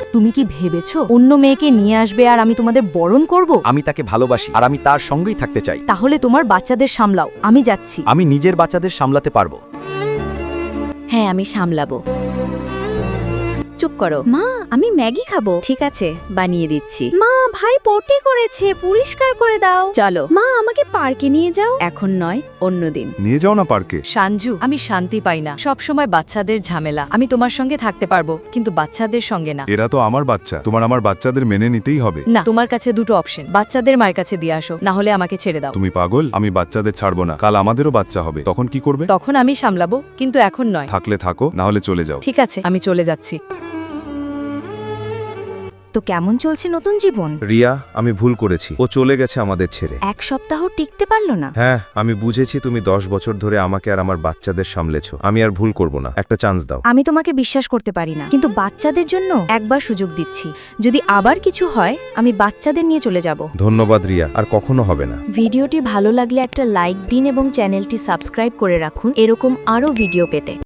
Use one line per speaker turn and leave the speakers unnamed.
তুমি কি ভেবেছো অন্য মেয়েকে নিয়ে আসবে আর আমি তোমাদের বরণ করব?
আমি তাকে ভালোবাসি আর আমি তার সঙ্গেই থাকতে চাই।
তাহলে তোমার বাচ্চাদের সামলাও, আমি যাচ্ছি।
আমি নিজের বাচ্চাদের সামলাতে পারবো।
হ্যাঁ, আমি সামলাবো। চুপ করো। মা, আমি ম্যাগি খাবো। ঠিক আছে, বানিয়ে দিচ্ছি। মা, ভাই পটি করেছে, পরিষ্কার করে দাও। চলো মা, আমাকে পার্কে নিয়ে যাও। এখন নয়, অন্যদিন।
নিয়ে যাও না পার্কে।
সাঞ্জু, আমি শান্তি পাই না, সব সময় বাচ্চাদের ঝামেলা। আমি তোমার সঙ্গে থাকতে পারবো, কিন্তু বাচ্চাদের সঙ্গে না।
এরা তো আমার বাচ্চা, তোমার আমার বাচ্চাদের মেনে নিতেই হবে।
না, তোমার কাছে দুটো অপশন, বাচ্চাদের মায়ের কাছে দিয়ে আসো, না হলে আমাকে ছেড়ে দাও।
তুমি পাগল? আমি বাচ্চাদের ছাড়বো না। কাল আমাদেরও বাচ্চা হবে, তখন কি করবে?
তখন আমি সামলাবো, কিন্তু এখন নয়।
থাকলে থাকো, না হলে চলে যাও।
ঠিক আছে, আমি চলে যাচ্ছি।
তো কেমন চলছে নতুন জীবন?
রিয়া, আমি ভুল করেছি, ও চলে গেছে আমাদের ছেড়ে।
এক সপ্তাহ টিকতে পারলো না।
হ্যাঁ, আমি বুঝেছি তুমি 10 বছর ধরে আমাকে আর আমার বাচ্চাদের সামলেছো। আমি আর ভুল করব না, একটা চান্স দাও।
আমি তোমাকে বিশ্বাস করতে পারি না, কিন্তু বাচ্চাদের জন্য একবার সুযোগ দিচ্ছি। যদি আবার কিছু হয়, আমি বাচ্চাদের নিয়ে চলে যাব।
ধন্যবাদ রিয়া, আর কখনো হবে না।
ভিডিওটি ভালো লাগলে একটা লাইক দিন এবং চ্যানেলটি সাবস্ক্রাইব করে রাখুন এরকম আরও ভিডিও পেতে।